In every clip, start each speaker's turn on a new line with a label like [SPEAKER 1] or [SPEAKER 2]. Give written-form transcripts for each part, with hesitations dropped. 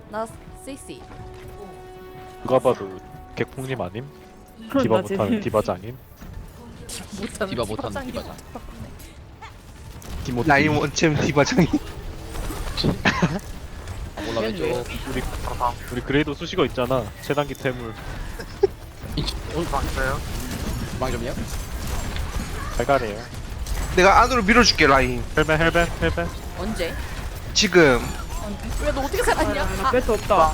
[SPEAKER 1] 나 CC.
[SPEAKER 2] 누가 봐도 객풍님 아님? 디바
[SPEAKER 3] 나지.
[SPEAKER 2] 못하는 디바장님?
[SPEAKER 1] 못하는
[SPEAKER 4] 디바 못하는
[SPEAKER 1] 디바장이
[SPEAKER 4] 디바장.
[SPEAKER 2] 디모티.
[SPEAKER 5] 라인 원챔 디바장이.
[SPEAKER 4] 몰라 왼쪽.
[SPEAKER 2] 우리 그레이도 수식어 있잖아. 최단기 태물.
[SPEAKER 4] 망점이야?
[SPEAKER 2] 갈갈이에요.
[SPEAKER 5] 내가 안으로 밀어줄게 라인.
[SPEAKER 2] 헬벤.
[SPEAKER 1] 언제?
[SPEAKER 5] 지금
[SPEAKER 1] 왜 너 어떻게 살았냐? 아,
[SPEAKER 3] 뺄수 없다.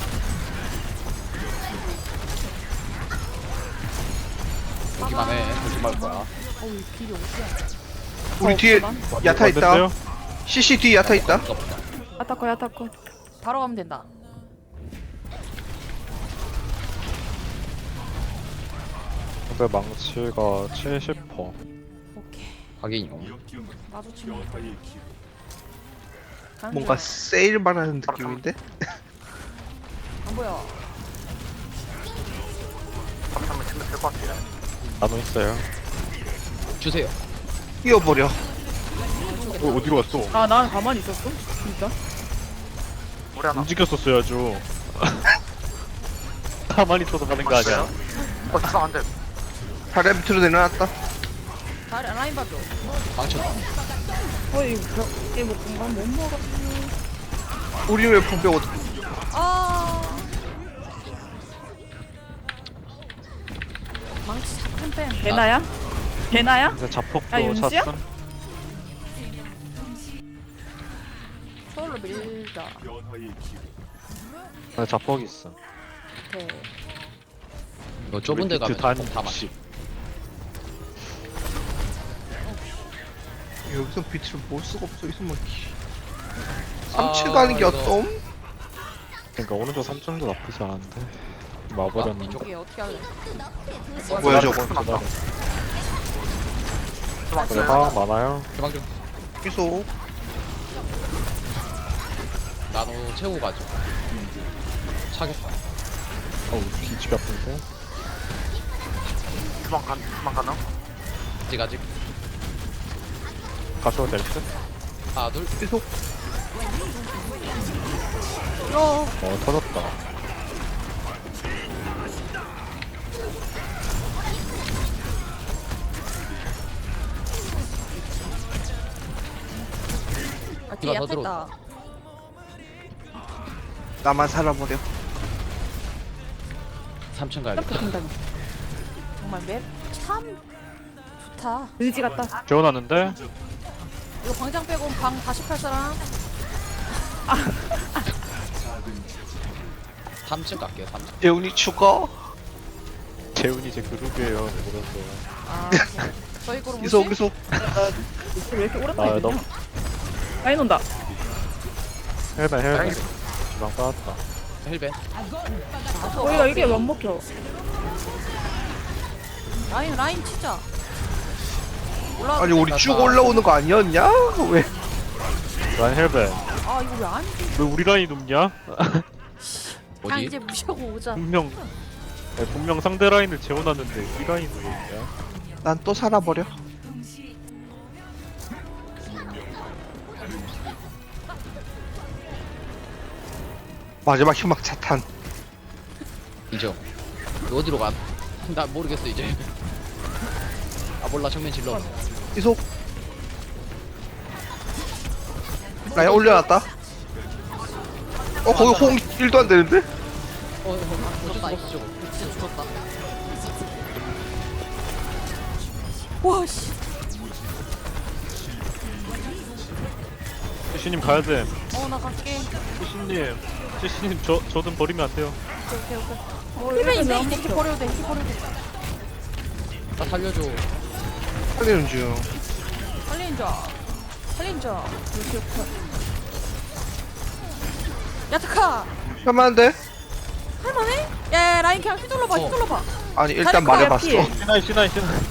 [SPEAKER 4] 여기만 해. 조심할 거야.
[SPEAKER 1] 어우 길이 어디야?
[SPEAKER 5] 우리 뒤에 야타 있다.
[SPEAKER 2] 왔는데요?
[SPEAKER 5] CC 뒤에 야타 있다.
[SPEAKER 4] 이거 보다.
[SPEAKER 3] 아타커 야타커.
[SPEAKER 1] 바로 가면 된다.
[SPEAKER 2] 근데 망치가 70%.
[SPEAKER 1] 오케이.
[SPEAKER 4] 확인이요.
[SPEAKER 1] 마주치면. 가는
[SPEAKER 5] 뭔가
[SPEAKER 1] 중.
[SPEAKER 5] 세일만 하는 느낌인데?
[SPEAKER 1] 안 보여.
[SPEAKER 2] 나노 있어요.
[SPEAKER 4] 주세요.
[SPEAKER 5] 뛰어버려.
[SPEAKER 2] 어디로 갔어?
[SPEAKER 3] 아, 난 가만히 있었어? 진짜?
[SPEAKER 2] 움직였었어야죠. 가만히 있어서 가는 거 아니야?
[SPEAKER 5] 다리 밑으로 내려놨다.
[SPEAKER 1] 다리 라인 봐줘.
[SPEAKER 4] 망쳤다.
[SPEAKER 3] 이거 뭐 공간 못 먹어.
[SPEAKER 5] 우리 왜 분배 어디?
[SPEAKER 1] 아. 망치 잠깐 뺨.
[SPEAKER 3] 개나야? 개나야?
[SPEAKER 2] 이제 자폭도
[SPEAKER 3] 아, 윤씨야?
[SPEAKER 2] 찼음.
[SPEAKER 1] 서울로 밀자.
[SPEAKER 2] 아, 자폭 있어.
[SPEAKER 1] 오케이.
[SPEAKER 4] 너 좁은 데 가면
[SPEAKER 2] 단
[SPEAKER 4] 다 맞.
[SPEAKER 2] 60.
[SPEAKER 5] 여기서 빛을 볼 수가 없어. 있으면
[SPEAKER 4] 아,
[SPEAKER 5] 3층 가는 게
[SPEAKER 4] 이거-
[SPEAKER 5] 어떤?
[SPEAKER 2] 그러니까 오른쪽 3점도 나쁘지 않은데.
[SPEAKER 4] 아,
[SPEAKER 2] 마버렸는데.
[SPEAKER 4] 이쪽.
[SPEAKER 1] 이게 어떻게 할래?
[SPEAKER 5] 뭐야 저거?
[SPEAKER 2] 그래 화학 많아요.
[SPEAKER 4] 해방 좀.
[SPEAKER 5] 계속
[SPEAKER 4] 나도 채우고 가죠. 차겠다.
[SPEAKER 2] 어우 기지가 아픈데.
[SPEAKER 4] 아직.
[SPEAKER 2] 가셔도 될 듯?
[SPEAKER 4] 하나 둘.
[SPEAKER 5] 계속
[SPEAKER 2] 터졌다.
[SPEAKER 1] 아 뒤에
[SPEAKER 4] 누가 더
[SPEAKER 1] 얕았다.
[SPEAKER 5] 나만 살아버려.
[SPEAKER 4] 3층 가야겠다.
[SPEAKER 1] 정말 맵참 좋다.
[SPEAKER 3] 의지 같다.
[SPEAKER 2] 재워놨는데?
[SPEAKER 1] 이거 광장 빼고 방 다시 팔 사람?
[SPEAKER 4] 3층 갈게요. 3층.
[SPEAKER 5] 재훈이 죽어.
[SPEAKER 2] 재훈이 제 그룹이에요. 왜 그러세요?
[SPEAKER 1] 아 저희 거로
[SPEAKER 5] 계속
[SPEAKER 1] 무시?
[SPEAKER 5] 계속
[SPEAKER 3] 왜 이렇게
[SPEAKER 2] 아
[SPEAKER 3] 오랜만에
[SPEAKER 2] 너무
[SPEAKER 3] 되냐? 라인 온다.
[SPEAKER 2] 헬벤. 주방 빠졌다.
[SPEAKER 4] 헬벤.
[SPEAKER 3] 이게 못 먹혀.
[SPEAKER 1] 라인 치자. 올라.
[SPEAKER 5] 아니 우리 쭉 올라오는 거 아니었냐? 왜?
[SPEAKER 2] 라인 헬벤.
[SPEAKER 1] 아 이거 왜 안?
[SPEAKER 2] 왜 우리 라인이 눕냐?
[SPEAKER 1] 그냥
[SPEAKER 4] 어디?
[SPEAKER 1] 이제 무시하고 오자.
[SPEAKER 2] 분명 상대 라인을 재워놨는데 우리 라인이 왜 있냐?
[SPEAKER 5] 난 또 살아버려. 마지막 희망 차탄.
[SPEAKER 4] 인정. 너 어디로 가? 나 모르겠어 이제. 아 몰라 정면 질러.
[SPEAKER 5] 계속 라인 올려놨다. 거기 호응 1도 안 되는데?
[SPEAKER 1] 죽었다 이거. 진짜 죽었다. 와 씨.
[SPEAKER 2] 시시님 가야 돼.
[SPEAKER 1] 나 갈게.
[SPEAKER 2] 시시님 저든 버리면 안 돼요.
[SPEAKER 1] 오케이. 힐맨 있네. 이렇게 버려도 돼. 이렇게 버려도 돼.
[SPEAKER 4] 나 살려줘.
[SPEAKER 5] 살리는 중.
[SPEAKER 1] 살린자. 야타카.
[SPEAKER 5] 할만한데?
[SPEAKER 1] 할만해? 야 라인 그냥 휘둘러봐. 휘둘러봐.
[SPEAKER 5] 아니 일단
[SPEAKER 1] 다리
[SPEAKER 5] 말해봤어.
[SPEAKER 3] 피해.
[SPEAKER 2] 시나이.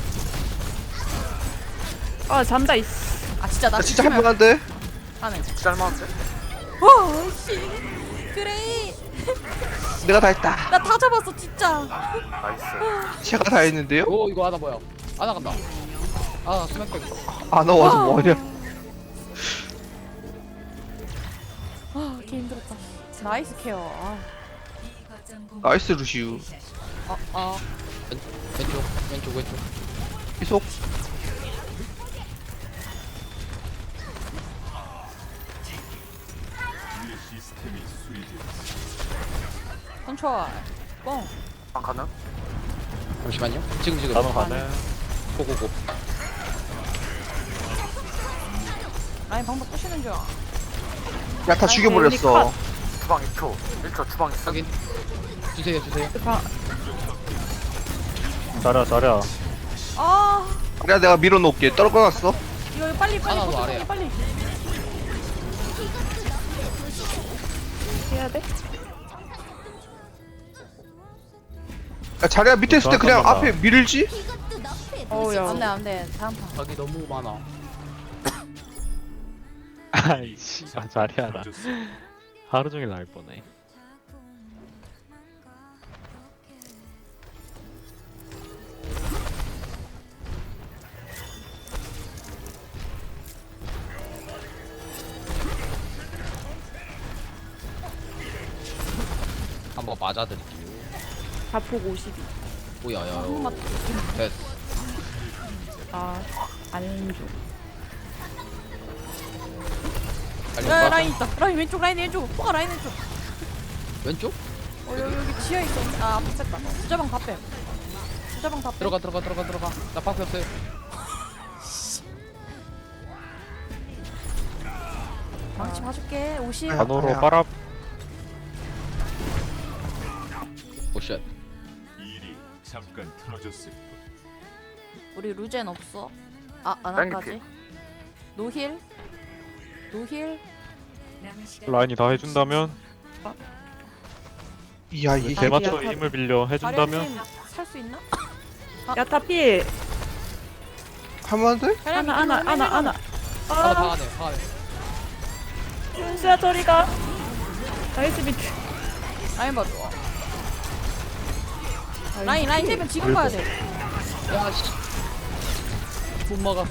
[SPEAKER 3] 아, 잔다, 이씨.
[SPEAKER 1] 아 진짜 나
[SPEAKER 5] 나 진짜 할만한데?
[SPEAKER 1] 하네. 진짜 할만한데? 와 씨. 그래.
[SPEAKER 5] 내가 다 했다.
[SPEAKER 1] 나 다 잡았어 진짜.
[SPEAKER 5] 제가 다 했는데요?
[SPEAKER 4] 오 이거 하나 뭐야? 하나 간다. 아 수면 백.
[SPEAKER 5] 아 너 와서 뭐하냐?
[SPEAKER 1] 개 힘들었다. 나이스 케어.
[SPEAKER 5] 나이스 루시우.
[SPEAKER 4] 왼쪽.
[SPEAKER 5] 이속.
[SPEAKER 1] 컨트롤. 뻥.
[SPEAKER 4] 잠시만요. 지금.
[SPEAKER 2] 나만 가네.
[SPEAKER 4] 고고고.
[SPEAKER 1] 라인 방법 부시는 중.
[SPEAKER 5] 야타 죽여버렸어.
[SPEAKER 6] 주방 2초 1초 주방 있어
[SPEAKER 4] 확인. 주세요.
[SPEAKER 2] 잘해.
[SPEAKER 1] 아,
[SPEAKER 5] 그래 내가 밀어놓을게. 떨궈놨어.
[SPEAKER 1] 이거 빨리
[SPEAKER 4] 하나 더
[SPEAKER 1] 버튼
[SPEAKER 4] 아래야.
[SPEAKER 1] 빨리.
[SPEAKER 3] 해야 돼?
[SPEAKER 5] 야 자리야 밑에 있을 때 그냥
[SPEAKER 2] 잠깐만.
[SPEAKER 5] 앞에 밀지?
[SPEAKER 3] 어우야.
[SPEAKER 1] 안돼. 다음 판.
[SPEAKER 4] 각이 너무 많아.
[SPEAKER 2] 아이씨. 잘해야 나. 하루 종일 나올 뻔해.
[SPEAKER 4] 한번 맞아드릴게요.
[SPEAKER 3] 자폭 52.
[SPEAKER 4] 오야야.
[SPEAKER 1] 한번
[SPEAKER 4] 됐어.
[SPEAKER 3] 안 줘.
[SPEAKER 4] 빨리
[SPEAKER 1] 야,
[SPEAKER 4] 와.
[SPEAKER 1] 라인 있다. 라인 왼쪽, 라인 왼쪽. 포가 라인 왼쪽.
[SPEAKER 4] 왼쪽?
[SPEAKER 1] 여기 지하 있어. 아, 앞에 쳤다. 주자방 다 뺨. 주자방 다 뺨.
[SPEAKER 4] 들어가. 나 밖에 없어요.
[SPEAKER 1] 망치 봐줄게. 50.
[SPEAKER 2] 단호로
[SPEAKER 5] 아야.
[SPEAKER 2] 빨아.
[SPEAKER 4] 오쉣.
[SPEAKER 7] 일이 잠깐 틀어졌을 뿐.
[SPEAKER 1] 우리 루젠 없어. 아,
[SPEAKER 6] 라인이
[SPEAKER 1] 아나까지. 노힐.
[SPEAKER 2] 라인이 다 해준다면
[SPEAKER 5] 이야 이게
[SPEAKER 2] 대마초
[SPEAKER 3] 야타.
[SPEAKER 2] 힘을 빌려 해준다면
[SPEAKER 1] 살수 있나?
[SPEAKER 3] 야타 필.
[SPEAKER 5] 하면 돼?
[SPEAKER 3] 하나.
[SPEAKER 4] 하나 방 안에.
[SPEAKER 3] 윤수야 저리가. 나이스 비트.
[SPEAKER 1] 라인 봐줘. 라인 힐면 지금 가야 돼.
[SPEAKER 4] 야씨. 못 막아.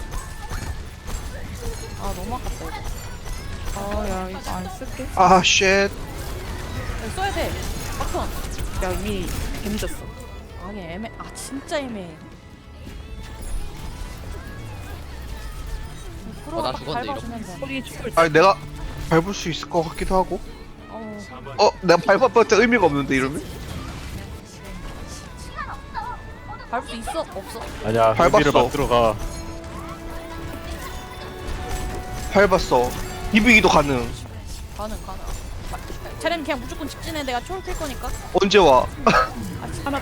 [SPEAKER 1] 아, 너무 아깝다 이거.
[SPEAKER 3] 야 이거 안 쓸게.
[SPEAKER 5] 아 쉣.
[SPEAKER 1] 이거 써야 돼. 버튼.
[SPEAKER 3] 야 이미 개미졌어.
[SPEAKER 1] 아니 진짜 애매해.
[SPEAKER 4] 나 죽었네,
[SPEAKER 1] 밟아주면 돼.
[SPEAKER 3] 소리 죽을.
[SPEAKER 5] 아 내가 밟을 수 있을 것 같기도 하고.
[SPEAKER 1] 어우,
[SPEAKER 5] 내가 밟아봤자 의미가 없는데 이러면?
[SPEAKER 1] 밟을 수 있어? 없어?
[SPEAKER 2] 아니야.
[SPEAKER 5] 밟았어.
[SPEAKER 2] 의미를 만들어가.
[SPEAKER 5] 밟았어. 비비기도 가능.
[SPEAKER 1] 가능. 차라리 그냥 무조건 직진해. 내가 초월 킬 거니까.
[SPEAKER 5] 언제 와?
[SPEAKER 3] 하나.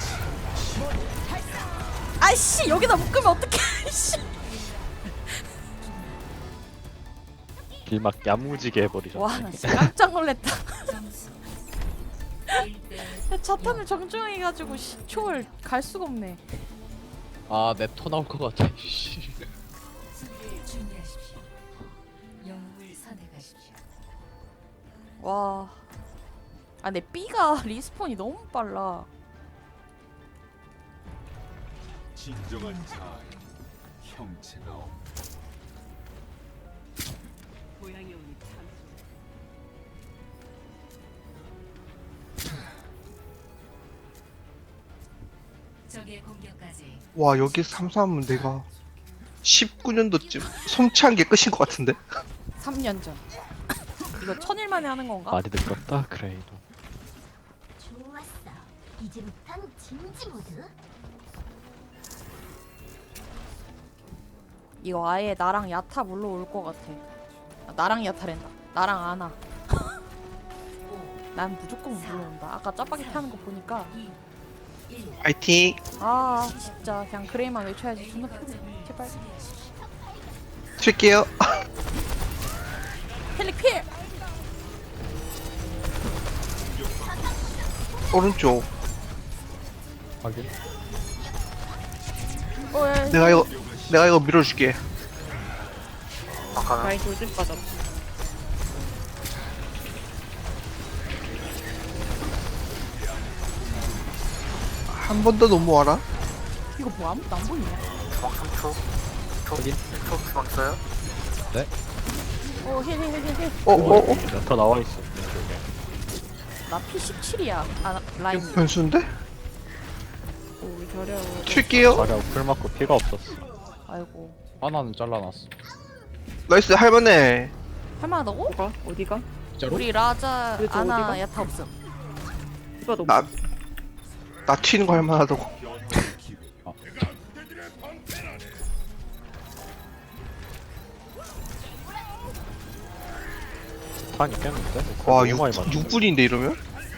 [SPEAKER 1] 아이씨, 여기다 묶으면 어떡해. 씨.
[SPEAKER 2] 길막 야무지게 해버리잖아.
[SPEAKER 1] 와, 나 진짜 깜짝 놀랐다. 야, 자탄을 정중하게 가지고 초월 갈 수가 없네.
[SPEAKER 4] 아, 내 토 나올 것 같아. 씨.
[SPEAKER 1] 와. 내 B가 리스폰이 너무 빨라.
[SPEAKER 7] 진정한 자아의 형체가 없다.
[SPEAKER 8] 적의 공격까지
[SPEAKER 5] 와 여기 삼삼은 내가 19년도쯤 솜치한 게 끝인 것 같은데?
[SPEAKER 1] 3년 전. 이거 1000일 만에 하는 건가?
[SPEAKER 2] 많이 늙었다 그레이도.
[SPEAKER 8] 좋았어. 이제부턴 진지 모드.
[SPEAKER 1] 이거 아예 나랑 야타 물러올 것 같아. 나랑 야타랜다. 나랑 아나. 난 무조건 물러온다. 아까 짜파게티 하는 거 보니까
[SPEAKER 5] 파이팅.
[SPEAKER 1] 진짜 그냥 그레이만 외쳐야지. 존나 피곤해. 제발.
[SPEAKER 5] 칠게요.
[SPEAKER 1] 헬릭 필!
[SPEAKER 5] 오른쪽.
[SPEAKER 2] 확인.
[SPEAKER 1] 야,
[SPEAKER 5] 내가 이거 밀어줄게.
[SPEAKER 3] 라인 돌진 빠졌.
[SPEAKER 5] 한 번 더 넘어와라.
[SPEAKER 1] 이거 뭐 아무것도 안 보이냐?
[SPEAKER 6] 주방 3초 1초 주방 있어요?
[SPEAKER 1] 힐.
[SPEAKER 5] 어.
[SPEAKER 2] 야타 나와 있어. 왼쪽에.
[SPEAKER 1] 나 P17이야. 아 라인.
[SPEAKER 5] 변수인데?
[SPEAKER 3] 오 저려.
[SPEAKER 5] 튈게요.
[SPEAKER 2] 자리하고 풀 맞고 피가 없었어.
[SPEAKER 1] 아이고.
[SPEAKER 4] 하나는 잘라놨어.
[SPEAKER 5] 나이스 할만해.
[SPEAKER 1] 할만하다고?
[SPEAKER 3] 뭐가? 어디가?
[SPEAKER 4] 진짜로?
[SPEAKER 1] 우리 라자
[SPEAKER 3] 그래도
[SPEAKER 1] 아나
[SPEAKER 3] 어디가?
[SPEAKER 1] 야타 없음.
[SPEAKER 3] 이거 너무.
[SPEAKER 5] 나 튀는 거 할만하다고.
[SPEAKER 2] 탄 있겠는데?
[SPEAKER 5] 와
[SPEAKER 2] 너무 많이 맞네.
[SPEAKER 5] 6분인데 이러면?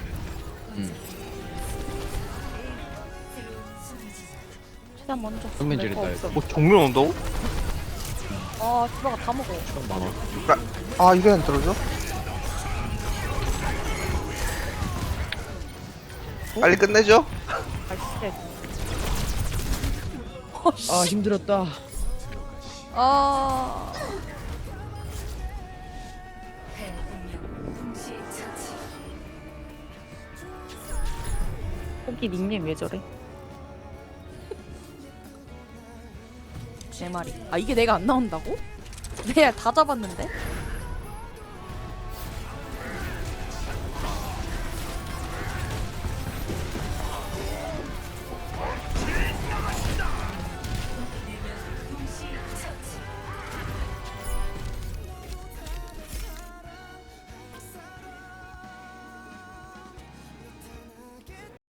[SPEAKER 1] 최대한 먼저.
[SPEAKER 4] 정면
[SPEAKER 3] 거
[SPEAKER 4] 지른다
[SPEAKER 3] 없어.
[SPEAKER 4] 이거.
[SPEAKER 5] 뭐 정면 온다고?
[SPEAKER 1] 아 디바가 다 먹어.
[SPEAKER 2] 좀 많아.
[SPEAKER 5] 아 이게 안 떨어져? 빨리 끝내죠.
[SPEAKER 3] 아씨.
[SPEAKER 4] 아 힘들었다.
[SPEAKER 1] 아.
[SPEAKER 3] 호기 닉네임 왜 저래?
[SPEAKER 1] 제 말이. 아 이게 내가 안 나온다고? 내가 다 잡았는데?